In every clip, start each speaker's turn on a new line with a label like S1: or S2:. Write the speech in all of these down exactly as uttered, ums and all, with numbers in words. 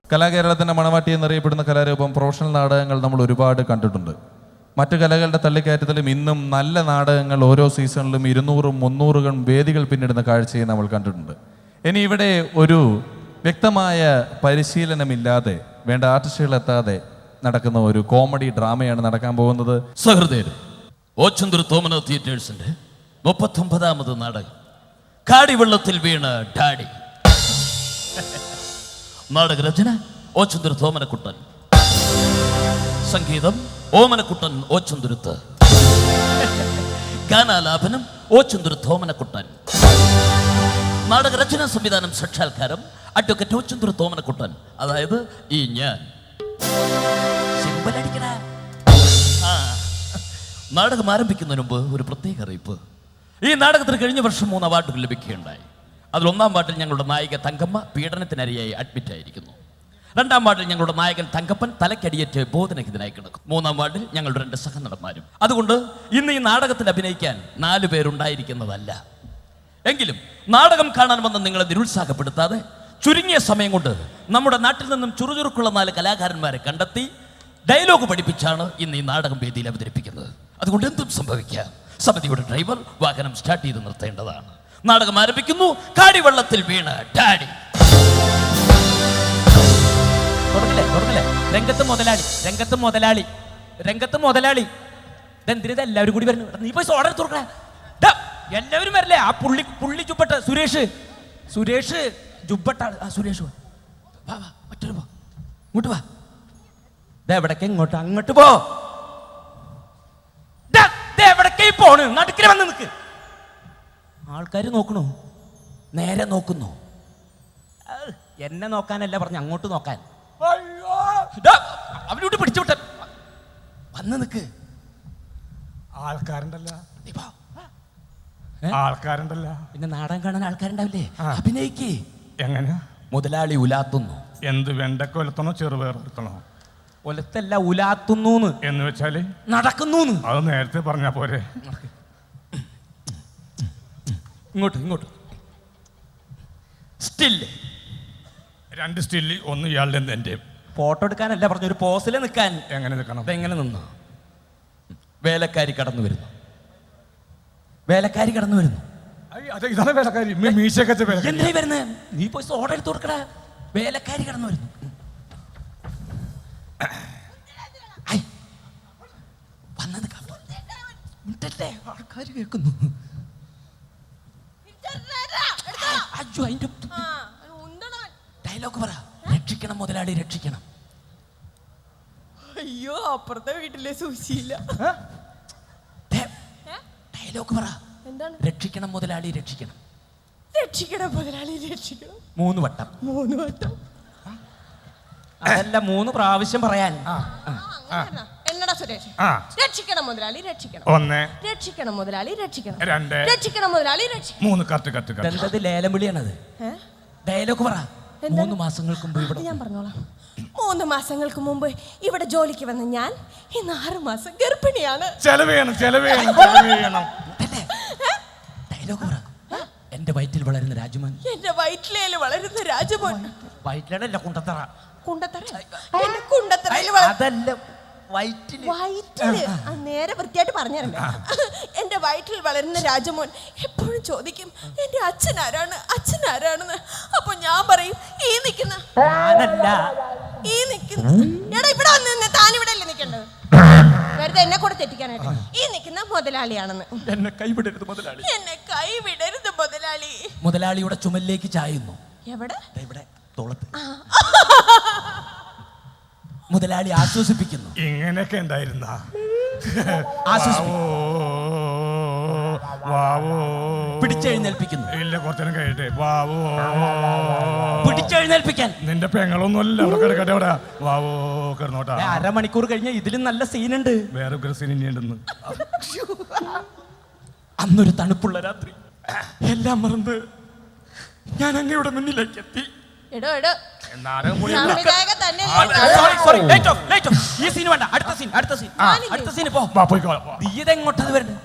S1: കലാകേരളത്തിൻ്റെ മണവാട്ടി എന്നറിയപ്പെടുന്ന കലാരൂപം പ്രൊഫഷണൽ നാടകങ്ങൾ നമ്മൾ ഒരുപാട് കണ്ടിട്ടുണ്ട്. മറ്റു കലകളുടെ തള്ളിക്കയറ്റത്തിലും ഇന്നും നല്ല നാടകങ്ങൾ ഓരോ സീസണിലും ഇരുന്നൂറും മുന്നൂറുകളും വേദികൾ പിന്നിടുന്ന കാഴ്ചയെ നമ്മൾ കണ്ടിട്ടുണ്ട്. ഇനി ഇവിടെ ഒരു വ്യക്തമായ പരിശീലനമില്ലാതെ വേണ്ട ആർട്ടിസ്റ്റുകളെത്താതെ നടക്കുന്ന ഒരു കോമഡി ഡ്രാമയാണ് നടക്കാൻ പോകുന്നത്.
S2: സഹൃദയർ, ഓച്ചന്തൂർ തോമന തിയേറ്റേഴ്സിന്റെ മുപ്പത്തൊമ്പതാമത് നാടകം കാടിവെള്ളത്തിൽ വീണ ഡാഡി. നാടകരചന ഓച്ചന്തൂർ തോമനക്കുട്ടൻ, സംഗീതം ഓമനക്കുട്ടൻ ഓച്ചന്തുരുത്ത്, ഗാനാലാപനം ഓച്ചന്തൂർ തോമനക്കുട്ടൻ, നാടകരചനാ സംവിധാനം സാക്ഷാത്കാരം അഡ്വക്കേറ്റ് ഓച്ചന്തൂർ തോമനക്കുട്ടൻ, അതായത് ഈ ഞാൻ. സിമ്പലടിക്കണ. ആ നാടകം ആരംഭിക്കുന്നതിന് മുമ്പ് ഒരു പ്രത്യേക അറിയിപ്പ്. ഈ നാടകത്തിന് കഴിഞ്ഞ വർഷം മൂന്ന് അവാർഡുകൾ ലഭിക്കുകയുണ്ടായി. അതിൽ ഒന്നാം വാർഡിൽ ഞങ്ങളുടെ നായിക തങ്കമ്മ പീഡനത്തിനരയായി അഡ്മിറ്റ് ആയിരിക്കുന്നു. രണ്ടാം വാർഡിൽ ഞങ്ങളുടെ നായകൻ തങ്കപ്പൻ തലക്കടിയേറ്റ് ബോധനഹിതനായി കിടക്കും. മൂന്നാം വാർഡിൽ ഞങ്ങളുടെ രണ്ട് സഹനടന്മാരും. അതുകൊണ്ട് ഇന്ന് ഈ നാടകത്തിൽ അഭിനയിക്കാൻ നാലു പേരുണ്ടായിരിക്കുന്നതല്ല. എങ്കിലും നാടകം കാണാൻ വന്ന് നിങ്ങളെ നിരുത്സാഹപ്പെടുത്താതെ ചുരുങ്ങിയ സമയം കൊണ്ട് നമ്മുടെ നാട്ടിൽ നിന്നും ചുറുചുറുക്കുള്ള നാല് കലാകാരന്മാരെ കണ്ടെത്തി ഡയലോഗ് പഠിപ്പിച്ചാണ് ഇന്ന് ഈ നാടകം വേദിയിൽ അവതരിപ്പിക്കുന്നത്. അതുകൊണ്ട് എന്തും സംഭവിക്കാം. സമിതിയുടെ ഡ്രൈവർ വാഹനം സ്റ്റാർട്ട് ചെയ്ത് നിർത്തേണ്ടതാണ്. നാടകം ആരംഭിക്കുന്നു. കാടിവെള്ളത്തിൽ വീണ ഡാഡി.
S3: രംഗത്ത് മുതലാളി രംഗത്ത് മുതലാളി രംഗത്ത് മുതലാളി ഇതെന്തിനാ എല്ലാവരും കൂടി വരുന്നു? നീ പോയി ഓർഡർ തുറക്കണ. എല്ലാവരും വരില്ലേ? ആ പുള്ളി പുള്ളി ജുബട്ട സുരേഷ് സുരേഷ് ജുബട്ട ആ സുരേഷ് വാ വാ മറ്റൊരു പോ ഇങ്ങോട്ട് വാ. എവിടേക്ക് ഇങ്ങോട്ട് അങ്ങോട്ട് പോ. എവിടേക്ക് പോണ്? നടുക്കിൽ വന്ന് നിൽക്ക്. ആൾക്കാർ നോക്കണു, നേരെ നോക്കുന്നു. എന്നെ നോക്കാനല്ല പറഞ്ഞു, അങ്ങോട്ട് നോക്കാൻ. അവനോട്ട് പിടിച്ചോട്ട വന്ന് നിക്ക്.
S4: ആൾക്കാരുണ്ടല്ല ആൾക്കാരുണ്ടല്ല
S3: പിന്നെ നാടകം കാണാൻ ആൾക്കാരുണ്ടാവില്ലേ? അഭിനയിക്ക്.
S4: എങ്ങനെ?
S3: മുതലാളി ഉലാത്തുന്നു.
S4: എന്ത് വെണ്ടക്ക ഒലത്തണോ ചെറുപയർ ഒലത്തണോ?
S3: ഒലത്തല്ല, ഉലാത്തുന്നു
S4: എന്ന് വെച്ചാല്
S3: നടക്കുന്നു.
S4: അത് നേരത്തെ പറഞ്ഞാ പോരെ.
S3: ഇങ്ങോട്ട് ഇങ്ങോട്ട്. സ്റ്റില്
S4: രണ്ട് സ്റ്റില്, ഒന്ന് ഇയാളുടെ എന്റെ.
S3: ഫോട്ടോ എടുക്കാനല്ല പറഞ്ഞു, ഒരു പോസിൽ നിൽക്കാൻ.
S4: എങ്ങനെ നിൽക്കണം?
S3: എങ്ങനെ നിന്നു? വേലക്കാരി കടന്നു വരുന്നു. വേലക്കാരി കടന്നു വരുന്നു.
S4: ഇതാണ് വേലക്കാരി. മീശയൊക്കെ
S3: എന്തായി വരുന്നത്? നീ പോയി ഓർഡർ എടുത്ത് കൊടുക്കട. വേലക്കാരി കടന്നു വരുന്നു. വന്നത് ആൾക്കാർ കേൾക്കുന്നു. ഡയലോഗ് പറ. രക്ഷിക്കണം മുതലാളി, രക്ഷിക്കണം.
S5: അയ്യോ, അപ്പുറത്തെ വീട്ടിലെ സൂചിയില്ല.
S3: ഡയലോഗ് പറ.
S5: എന്താണ്?
S3: രക്ഷിക്കണം മുതലാളി, രക്ഷിക്കണം.
S5: രക്ഷിക്കണം മുതലാളി, രക്ഷിക്കണം.
S3: മൂന്ന് വട്ടം.
S5: മൂന്ന് വട്ടം
S3: അതല്ല, മൂന്ന് പ്രാവശ്യം പറയാൻ.
S5: എന്നടാ സുരേഷ്? രക്ഷിക്കണം മുതലാളി, രക്ഷിക്കണം.
S4: ഒന്ന്.
S5: രക്ഷിക്കണം മുതലാളി, രക്ഷിക്കണം.
S4: രണ്ട്.
S5: രക്ഷിക്കണം മുതലാളി, രക്ഷിക്കണം.
S4: മൂന്ന്. Cut cut cut.
S3: എന്തത് ലേലം വിളിയാണത്? ഡയലോഗ് പറ. മൂന്ന് മാസങ്ങൾക്ക് മുമ്പ് ഇവിടെ.
S5: ഞാൻ പറഞ്ഞോളാം. മൂന്ന് മാസങ്ങൾക്ക് മുമ്പ് ഇവിടെ ജോലിക്ക് വന്ന ഞാൻ ഇന്ന് ആറ് മാസം ഗർഭിണിയാണ്.
S4: ചെലവ് ചെയ്യണം, ചെലവ് ചെയ്യണം, ചെലവ് ചെയ്യണം.
S3: ഡയലോഗ് പറ. എന്റെ വയറ്റിൽ വളരുന്ന രാജമോൻ.
S5: എന്റെ വയറ്റിലേല് വളരുന്ന രാജമോൻ.
S3: വയറ്റിലല്ല, കുണ്ടത്തറ.
S5: കുണ്ടത്തറ? എന്റെ കുണ്ടത്തറയിൽ
S3: അതല്ല, വയറ്റില്.
S5: വയറ്റില് നേരെ വൃത്തിയായിട്ട് പറഞ്ഞിട്ടുണ്ട്. എന്റെ വയറ്റിൽ വളരുന്ന രാജമോൻ എപ്പോഴും ചോദിക്കും എന്റെ അച്ഛൻ ആരാണ്, അച്ഛൻ ആരാണെന്ന്. അപ്പൊ ഞാൻ പറയും ഈ നിക്കുന്ന ഈ നിക്കുന്ന എടാ ഇവിടെ വന്ന് താൻ ഇവിടെ അല്ലേ നിൽക്കേണ്ടത്, വെറുതെ എന്നെ കൂടെ തെറ്റിക്കാനായിട്ട്. ഈ നിൽക്കുന്ന മുതലാളിയാണെന്ന്.
S3: എന്നെ കൈവിടരുത് മുതലാളി,
S5: എന്നെ കൈവിടരുത് മുതലാളി.
S3: മുതലാളിയുടെ ചുമലിലേക്ക് ചായുന്നു.
S5: എവിടെ?
S3: ഇവിടെ തോളത്ത്. മുതലാളി ആശ്വസിപ്പിക്കുന്നു.
S4: ഇങ്ങനെയൊക്കെ ഉണ്ടായിരുന്ന
S3: പിടിച്ചെഴുന്നേൽപ്പിക്കുന്നു.
S4: ഇല്ല, കുറച്ചേരം കഴിയട്ടെ. വാവോ
S3: പിടിച്ചെഴുന്നേൽപ്പിക്കാൻ.
S4: നിന്റെ പെങ്ങളൊന്നുമല്ല അവിടെ കിടക്കട്ടെ. അവിടെ വാവോ കിടന്നോട്ടാ.
S3: അരമണിക്കൂർ കഴിഞ്ഞ ഇതിലും നല്ല സീനുണ്ട്.
S4: വേറെ സീൻ ഇനിയുണ്ടെന്ന്.
S3: അന്നൊരു തണുപ്പുള്ള രാത്രി എല്ലാം മറന്ന് ഞാൻ അങ്ങയുടെ മുന്നിലേക്ക് എത്തി.
S5: എടോ എടോ
S3: ഈ സീൻ വേണ്ട, അടുത്ത സീൻ, അടുത്ത സീൻ, അടുത്ത സീൻ. ഇതെങ്ങോട്ടത് വരുന്നത്?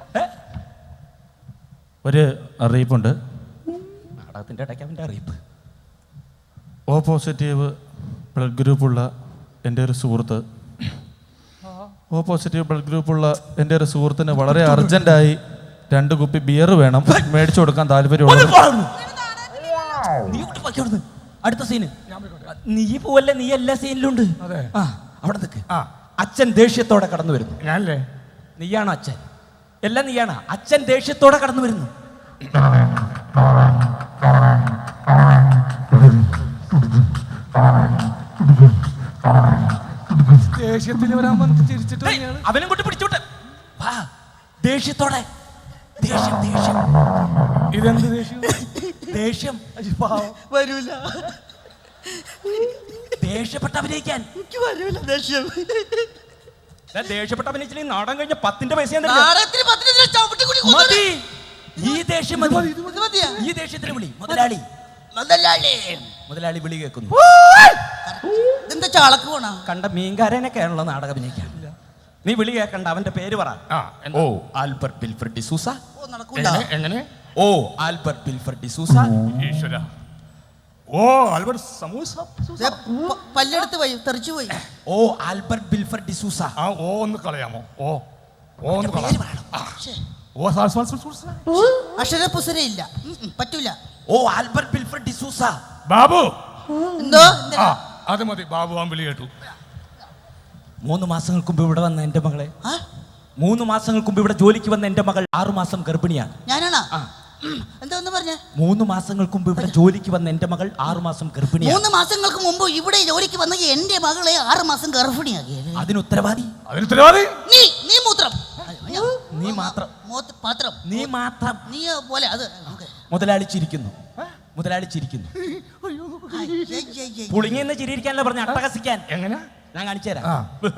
S1: ഒരു അറിയിപ്പുണ്ട്.
S3: നാടകത്തിന്റെ ഇടയ്ക്ക് അവന്റെ അറിയിപ്പ്.
S1: ഓ പോസിറ്റീവ് ബ്ലഡ് ഗ്രൂപ്പുള്ള എൻ്റെ ഒരു സുഹൃത്ത്, ഓ പോസിറ്റീവ് ബ്ലഡ് ഗ്രൂപ്പുള്ള എൻ്റെ ഒരു സുഹൃത്തിന് വളരെ അർജന്റായി രണ്ട് കുപ്പി ബിയർ വേണം, മേടിച്ചു കൊടുക്കാൻ താല്പര്യമുള്ള.
S3: നീ ഇങ്ങോട്ട് പൊയ്ക്കോ അവിടുന്ന്. അടുത്ത സീന് നീ പോവല്ലേ, നീ എല്ലാ സീനിലും ഉണ്ട്.
S4: അതെ.
S3: ആ അവിടെ നിൽക്ക്.
S4: ആ
S3: അച്ഛൻ ദേഷ്യത്തോടെ കടന്നു വരുന്നു.
S4: ഞാനല്ലേ?
S3: നീയാണോ അച്ഛൻ? എല്ലാം നീയാണോ? അച്ഛൻ ദേഷ്യത്തോടെ കടന്നു വരുന്നു.
S4: ദേഷ്യത്തിൽ വരാൻ വന്നിട്ട് ചിരിച്ചിട്ട്
S3: ഏയ്, അവനും കൊണ്ട് പിടിച്ചോട്ടെ. വാ, ദേഷ്യത്തോടെ. ദേഷ്യം ദേഷ്യം
S4: ഇതെന്ത് ദേഷ്യം?
S3: ദേഷ്യം
S6: വരൂല,
S3: ദേഷ്യപ്പെട്ട് അഭിനയിക്കാൻ.
S6: എനിക്ക് വരൂല ദേഷ്യം.
S3: ദാ ദേഷ്യപ്പെട്ട് അഭിനയിച്ചില്ലെങ്കിൽ നാടൻ കഴിഞ്ഞ പത്തിന്റെ പൈസ ഞാൻ തരില്ല.
S6: നാടകത്തിന് പത്തിന് ഇതിനെ ചവിട്ടി കൂടി കൊന്നു.
S3: മതി, ഈ ദേഷ്യം മതി.
S6: ഇത് മതിയാ?
S3: ഈ ദേഷ്യത്തിന് വിളി. മുതലാളി
S6: മുതലാളി.
S3: മുതലാളി വിളി കേൾക്കുന്നു.
S6: ഇതെന്താ ചാളക്ക് പോണ?
S3: കണ്ട മീൻകാരനൊക്കെയാണല്ലോ നാടകം അഭിനയിക്കാൻ. നീ വിളി കേൾക്കണ്ട, അവന്റെ പേര് പറ.
S4: ആ,
S3: ഓ ആൽബർട്ട് വിൽഫ്രഡ് ഡിസൂസ.
S6: ഓ നടക്കൂല.
S4: എങ്ങനെ എങ്ങനെ?
S3: ഓ ആൽബർട്ട് വിൽഫ്രഡ് ഡിസൂസ.
S4: ഈശ്വര. ഓ ആൽബർട്ട് സമൂസ.
S6: ദേ, പ- പല്ലെടുത്ത് പോയി തെറിച്ചു പോയി.
S3: ഓ ആൽബർട്ട് വിൽഫ്രഡ് ഡിസൂസ.
S4: ആ ഓ ഒന്ന് കളയാമോ? ഓ ഓ ഒന്ന്
S3: പേര്
S4: കളയാം.
S3: പറയണം.
S6: ശ്ശേ,
S4: ഓ സാർ സാർ സാർ സാർ.
S6: അക്ഷര പുസരയില്ല. ഉം, ഉം, പറ്റൂല.
S3: ഓ ആൽബർട്ട് വിൽഫ്രഡ് ഡിസൂസ.
S4: ബാബു.
S6: എന്തോ
S4: ആ അത് മതി. ബാബു ആ വിളി കേട്ടു.
S3: മൂന്ന് മാസങ്ങൾക്ക് മുമ്പ് ഇവിടെ വന്ന എന്റെ മകളെ
S6: ആ,
S3: മൂന്ന് മാസങ്ങൾക്ക് മുമ്പ് ഇവിടെ ജോലിക്ക് വന്ന എന്റെ മകൾ ആറു മാസം ഗർഭിണിയാണ്.
S6: ഞാനാണോ?
S3: ആ.
S6: ഉം, എന്താ ഒന്ന് പറഞ്ഞേ?
S3: മൂന്ന് മാസങ്ങൾക്ക് മുമ്പ് ഇവിടെ ജോലിക്ക് വന്ന എന്റെ മകൾ ആറു മാസം ഗർഭിണിയാണ്.
S6: മൂന്ന് മാസങ്ങൾക്ക് മുമ്പ് ഇവിടെ ജോലിക്ക് വന്ന എന്റെ മകളെ ആറ് മാസം ഗർഭിണിയാക്കിയത്
S3: അതിന് ഉത്തരവാദി
S4: അതിന് ഉത്തരവാദി
S6: നീ. നീ മൂത്രം.
S3: നീ മാത്രം.
S6: മൂത്ത് പാത്രം.
S3: നീ മാത്രം.
S6: നീ പോലെ അത് നമുക്ക്.
S3: മുതലാളി ചിരിക്കുന്നു. മുതലാളി ചിരിക്കുന്നു.
S6: ഏയ്, ഏയ്, ഏയ്.
S3: പുളിങ്ങിന്ന് ചിരിയിരിക്കാനല്ല പറഞ്ഞ, അട്ടഹസിക്കാൻ.
S4: എങ്ങനെ?
S3: ഞാൻ കാണിച്ചു തരാം.
S4: ആ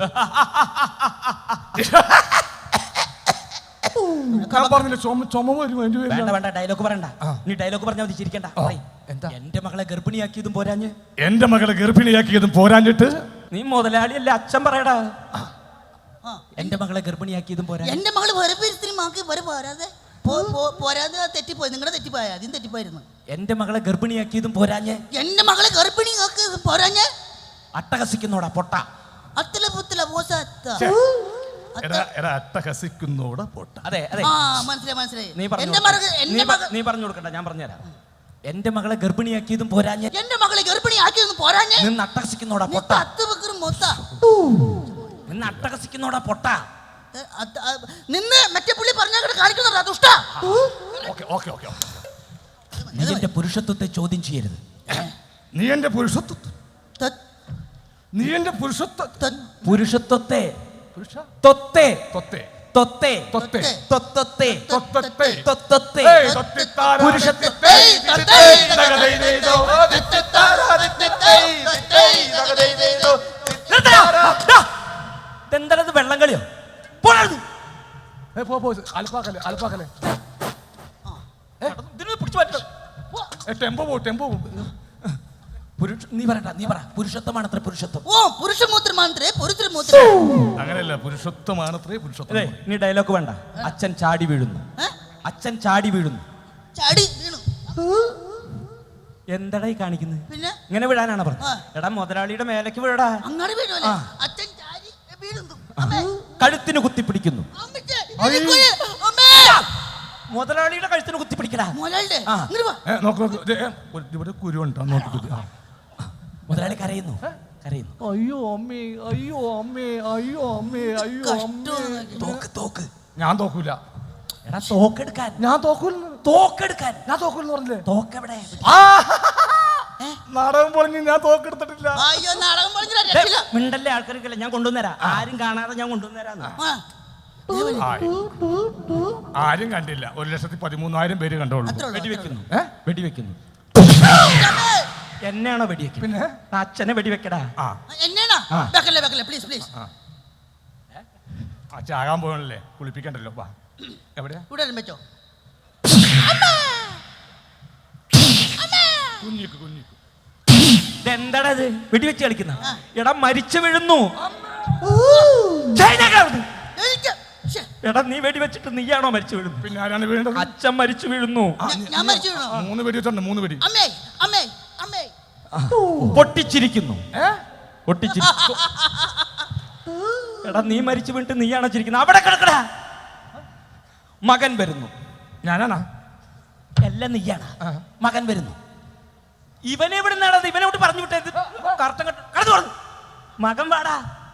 S4: ഞാൻ പറഞ്ഞില്ല ചുമ ചുമ വരും അതിന്റെ
S3: വേണ്ട
S4: പേരിലാണ്.
S3: വേണ്ട, ഡയലോഗ് പറയണ്ട.
S4: ആ.
S3: നീ ഡയലോഗ് പറഞ്ഞാൽ മതി, ചിരിക്കണ്ട. പറയ്.
S4: എന്താ?
S3: എന്റെ മകളെ ഗർഭിണിയാക്കിയതും പോരാഞ്ഞ്
S4: എന്റെ മകളെ ഗർഭിണിയാക്കിയതും പോരാഞ്ഞിട്ട്
S3: നീ മുതലാളിയല്ലേ, അച്ഛൻ പറയടാ.
S6: ആ,
S3: എന്റെ മകളെ ഗർഭിണിയാക്കിയതും പോരാ.
S6: എന്റെ മകള് വേറെ പേരത്തിന് മാക്കി വരെ പോരാതെ പോ- പോ- പോരാതെ തെറ്റിപ്പോയി. നിങ്ങളുടെ തെറ്റിപ്പോയ ആദ്യം തെറ്റിപ്പോയിരുന്നു.
S3: എന്റെ മകളെ ഗർഭിണിയാക്കിയതും പോരാഞ്ഞ്
S6: എന്റെ മകളെ ഗർഭിണി ആക്കി പോരാഞ്ഞ്
S3: അട്ടഹസിക്കുന്നോടാ പൊട്ട.
S6: അത്തല പുത്തല പോസാത്ത.
S4: ഛെ.
S6: അത്ത-
S4: എടാ എടാ അട്ടഹസിക്കുന്നോടെ പൊട്ട.
S3: അതെ അതെ,
S6: ആ മനസ്സിലായി മനസ്സിലായി.
S3: നീ പറഞ്ഞു
S6: എന്റെ
S3: കൊടുക്ക.
S6: മകൾ
S3: നീ
S6: എന്റെ
S3: പ-
S6: മകൾ
S3: നീ പറഞ്ഞു കൊടുക്കണ്ട, ഞാൻ പറഞ്ഞുതരാം. എന്റെ മകളെ ഗർഭിണിയാക്കിയതും പോരാഞ്ഞ്
S6: എന്റെ മകളെ ഗർഭിണി ആക്കിയൊന്നും പോരാഞ്ഞ്
S3: നിന്ന് അട്ടഹസിക്കുന്നോടാ
S6: നീ
S3: പൊട്ട.
S6: തത്ത് വെക്കറും മൊത്ത.
S3: നിന്ന് അട്ടഹസിക്കുന്നോടാ പൊട്ട.
S6: ഏ, അത്ത- ആ, നിന്ന് മറ്റേ പുള്ളി പറഞ്ഞാൽ കാണിക്കുന്നുണ്ടോ ദുഷ്ട?
S4: Okay okay okay okay.
S3: നീ എന്റെ പുരുഷത്വത്തെ ചോദ്യം ചെയ്യരുത്.
S4: നീ എന്റെ പുരുഷത്വ
S6: ത-
S4: നീ എന്റെ പുരുഷത്വ
S6: ത-
S3: പുരുഷത്വത്തെ
S4: പുരുഷ
S3: തൊത്തെ
S4: തൊത്തെ
S3: തൊത്തെ
S4: തൊത്തെ
S3: തൊത്തത്തെ
S4: തൊത്തത്തെ
S3: തൊത്തത്തെ
S4: ഏയ് തൊത്തിത്താര
S3: പുരുഷത്വത്തെ
S6: ഏയ്, തൊത്തേ,
S4: തകതൈ ദേദോ തൊത്തിത്താര തൊത്തിത്തൈ തൊത്തിത്തൈ തകതൈ ദേദോ
S3: ഇതെന്താണത്, വെള്ളം കളിയോ? പോടാ.
S4: ഏ പോ പോ അൽപ്പാക്കല്ലേ അൽപ്പാക്കല്ലേ.
S3: ഇതിനെ പിടിച്ചു മാറ്റണം.
S4: ഏ ടെമ്പോ പോ ടെമ്പോ പോ.
S3: പുരുഷ നീ പറയണ്ട, നീ പറ. പുരുഷത്വമാണ് അത്ര പുരുഷത്വം.
S6: ഓ പുരുഷമൂത്രം മാത്രേ പുരുഷമൂത്രം.
S4: അങ്ങനെയല്ല പുരുഷത്വമാണത്രേ പുരുഷത്വം.
S3: അതെ, നീ ഡയലോഗ് വേണ്ട. അച്ഛൻ ചാടി വീഴുന്നു.
S6: ഏ?
S3: അച്ഛൻ ചാടി വീഴുന്നു.
S6: ചാടി വീണു.
S3: എന്താടാ ഈ കാണിക്കുന്നത്?
S6: പിന്നെ
S3: ഇങ്ങനെ വിടാനാണ്
S6: ആ.
S3: പറഞ്ഞത്. എടാ മുതലാളിയുടെ മേലേക്ക് വീഴടാ.
S6: അങ്ങോട്ട് വീണല്ലേ?
S3: ആ.
S6: അച്ഛൻ ചാടി വീഴുന്നു. അമ്മേ,
S3: കഴുത്തിന് കുത്തിപ്പിടിക്കുന്നു.
S6: അമ്മച്ചേ, ഇതിക്കുഴി, അമ്മേ.
S3: മുതലാളിയുടെ കഴുത്തിന് കുത്തിപ്പിടിക്കടാ.
S6: മോലാളിടെ,
S3: ആ.
S6: ഇങ്ങട് വാ.
S4: ഏ നോക്ക് നോക്ക് ദേ, ഏ, ഒരു- ഇവിടെ കുരുണ്ടോ നോക്കിട്ട്. ആ
S3: മുതലാളി കരയുന്നു. കരയുന്നു.
S4: അയ്യോ അമ്മേ അയ്യോ അമ്മേ അയ്യോ അമ്മേ അയ്യോ അമ്മേ.
S6: കഷ്ടം.
S3: തോക്ക് തോക്ക്.
S4: ഞാൻ തോക്കൂല.
S3: എടാ തോക്കെടുക്കാൻ.
S4: ഞാൻ തോക്കൂല.
S3: തോക്കെടുക്കാൻ.
S4: ഞാൻ തോക്കൂലെന്ന് പറഞ്ഞില്ലേ?
S3: തോക്കെവിടെ?
S4: നാടകം പൊളിഞ്ഞ് ഞാൻ തോക്കെടുത്തിട്ടില്ല.
S6: അയ്യോ നാടകം പറഞ്ഞില്ല,
S3: ദേ,
S6: രക്ഷയില്ല.
S3: മിണ്ടല്ലേ ആൾക്കാർക്കല്ല, ഞാൻ കൊണ്ടുവന്നരാ. ആരും കാണാതെ ഞാൻ കൊണ്ടുവന്നരാന്ന്.
S6: ആ,
S4: ആയി. ആരും കണ്ടില്ല. ഒരു ലക്ഷത്തി പതിമൂന്നായിരം പേര് കണ്ടോളൂ.
S6: അത്രേ ഉള്ളൂ, അത്രേ
S3: വെടിവെക്കുന്നു.
S4: ഏ?
S3: വെടിവെക്കുന്നു.
S6: അമ്മേ.
S3: എന്നെയാണോ വെടിവെക്കുന്നത്?
S4: പിന്നെ
S3: അച്ഛനെ വെടിവെക്കടാ.
S4: ആ
S6: എന്നെയാണോ?
S3: ആ.
S6: വെക്കല്ലേ വെക്കല്ലേ പ്ലീസ് പ്ലീസ്.
S4: ആ ചാകാൻ പോകണല്ലേ, കുളിപ്പിക്കണ്ടല്ലോ. വാ എവിടെയാ?
S6: ഇവിടെ വരാൻ പറ്റോ?
S4: കുഞ്ഞിക്ക് കുഞ്ഞിക്ക്.
S3: ഇതെന്താടാ ഇത്? വെടിവെച്ച് കളിക്കുന്ന. എടാ മരിച്ചു വീഴുന്നു.
S6: എനിക്ക് ശ്ശെ,
S3: എടാ നീ വെടിവെച്ചിട്ട് നീയാണോ മരിച്ചു വീഴുന്നു?
S4: പിന്നെ ആരാണ് വീണ്ടത്?
S3: അച്ഛൻ മരിച്ചു വീഴുന്നു.
S6: ഞാൻ- ഞാൻ മരിച്ചു വീണോ?
S4: മൂന്ന് വെടി വെച്ചിട്ടുണ്ട്. മൂന്ന് വെടി.
S6: അമ്മേ അമ്മേ അമ്മേ.
S3: പൊട്ടിച്ചിരിക്കുന്നു.
S4: ഏ
S3: ഒട്ടിച്ചിരി എടാ നീ മരിച്ചു വീണിട്ട് നീയാണ് ചിരിക്കുന്നത്. അവിടെ കിടക്കടാ. മകൻ വരുന്നു.
S4: ഞാനാണോ?
S3: എല്ലാം നീയാണ്. മകൻ വരുന്നു. ഇവനെ എവിടെ നിന്നാണ് ഇവനോട് പറഞ്ഞു വിട്ടത്? കറക്റ്റം കടന്നു പറഞ്ഞു. മകൻ വാടാ.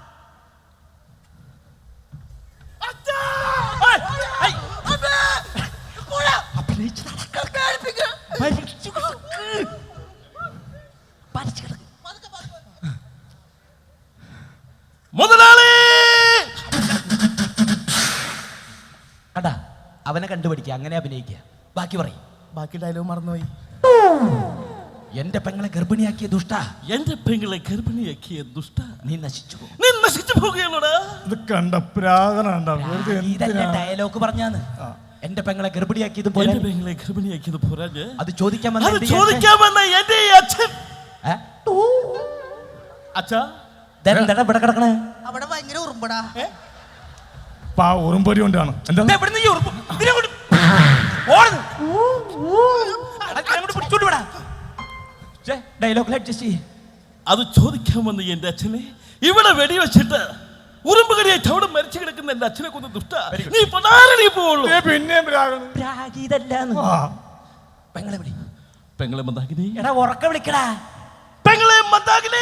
S2: മുതലാളി
S3: കണ്ടാ അവനെ കണ്ടുപിടിക്കുക, അങ്ങനെ അഭിനയിക്കുക. ബാക്കി പറയും.
S2: ബാക്കി ഡയലോഗ് മറന്നുപോയി.
S3: എന്റെ പെങ്ങളെ ഗർഭിണിയാക്കിയ ദുഷ്ട,
S2: എന്റെ പെങ്ങളെ ഗർഭിണിയാക്കിയ ദുഷ്ട,
S3: നീ നശിച്ചു പോകും.
S2: നീ നശിച്ചു പോകുകയാണോടാ?
S4: ഇത് കണ്ട പ്രാകണ
S3: ഇതല്ല ഡയലോഗ് പറഞ്ഞാന്ന്. എന്റെ പെങ്ങളെ ഗർഭിണിയാക്കിയത് പോലെ
S2: എന്റെ പെങ്ങളെ ഗർഭിണിയാക്കിയത് പോരാഞ്ഞ്
S3: അത് ചോദിക്കാൻ
S2: അത്
S3: വന്ന
S2: ചോദിക്കാൻ വന്ന എന്റെ ഈ അച്ഛൻ. അച്ഛാ
S3: എന്താ ഇവിടെ കിടക്കണേ?
S6: അവിടെ ഭയങ്കര ഉറുമ്പടാ.
S4: പാ ഉറുമ്പൊരി കൊണ്ടാണ്. എന്താ
S3: ഡയലോഗിൽ അഡ്ജസ്റ്റ് ചെയ്യ്.
S2: അത് ചോദിക്കാൻ വന്ന എന്റെ അച്ഛനെ ഇവിടെ വെടിവെച്ചിട്ട് ഉറുമ്പുകടിയായിട്ട് അവിടെ മരിച്ചു കിടക്കുന്ന എന്റെ അച്ഛനെ കൊന്ന് ദുഷ്ട, നീ പതാരണി പോവുള്ളൂ.
S4: പിന്നെ
S3: പ്രാഗീതല്ലാന്ന്. പെങ്ങളെ വിളി.
S2: പെങ്ങളെ മന്ദാകിനി.
S3: എടാ ഉറക്ക വിളിക്കടാ.
S2: പെങ്ങളെ മന്ദാകിനി.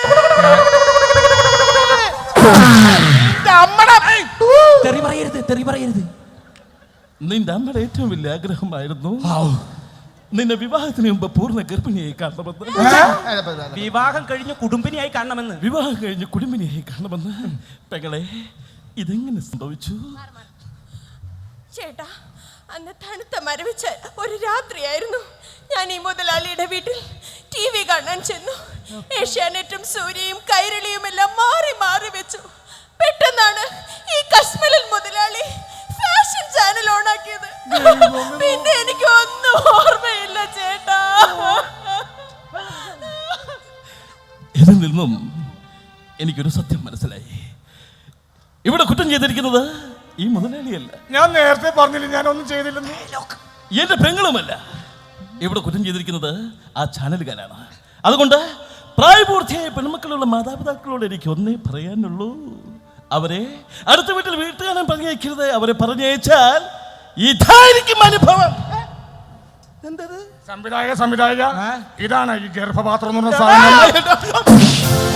S3: തെറി പറയരുത്, തെറി പറയരുത്.
S2: നിന്റെ അമ്മയുടെ ഏറ്റവും വലിയ ആഗ്രഹമായിരുന്നു നിന്നെ വിവാഹത്തിന് മുമ്പ് പൂർണ്ണ ഗർഭിണിയായി കാണണമെന്ന്.
S3: വിവാഹം കഴിഞ്ഞ് കുടുംബിനിയായി കാണണമെന്ന്.
S2: വിവാഹം കഴിഞ്ഞ് കുടുംബിനിയായി കാണണമെന്ന്. പെങ്ങളെ ഇതെങ്ങനെ സംഭവിച്ചു?
S5: ചേട്ടാ, അന്ന് തണുത്ത മരവിച്ച ഒരു രാത്രിയായിരുന്നു. ഞാൻ ഈ മുതലാളിയുടെ വീട്ടിൽ ടി വി കാണാൻ ചെന്നു. ഏഷ്യാനെറ്റും സൂര്യയും കൈരളിയും എല്ലാം മാറി മാറി വെച്ചു. പെട്ടെന്നാണ് ഈ കശ്മലൻ മുതലാളി ഫാഷൻ ചാനൽ ഓണാക്കിയത്. പിന്നെ എനിക്ക് ഒന്നും ഓർമ്മയില്ല ചേട്ടാ.
S2: ഇതിൽ നിന്നും എനിക്കൊരു സത്യം മനസ്സിലായി. ഇവിടെ കുറ്റം ചെയ്തിരിക്കുന്നത് ഈ മുതലാളിയല്ല.
S4: ഞാൻ നേരത്തെ പറഞ്ഞില്ല ഞാൻ ഒന്നും ചെയ്തില്ലെന്ന്.
S2: എന്റെ പെങ്ങളുമല്ല. ഇവിടെ കുറ്റം ചെയ്തിരിക്കുന്നത് ആ ചാനലുകാരാണ്. അതുകൊണ്ട് പ്രായപൂർത്തിയായ പെൺമക്കളുള്ള മാതാപിതാക്കളോട് എനിക്ക് ഒന്നേ പറയാനുള്ളൂ, അവരെ അടുത്ത വീട്ടിൽ വീട്ടുകാരൻ പറഞ്ഞയക്കരുത്. അവരെ പറഞ്ഞയച്ചാൽ ഇതായിരിക്കും അനുഭവം.
S4: സംവിധായക സംവിധായക ഇതാണ് ഈ ഗർഭപാത്രം എന്ന് പറഞ്ഞ സാധനം.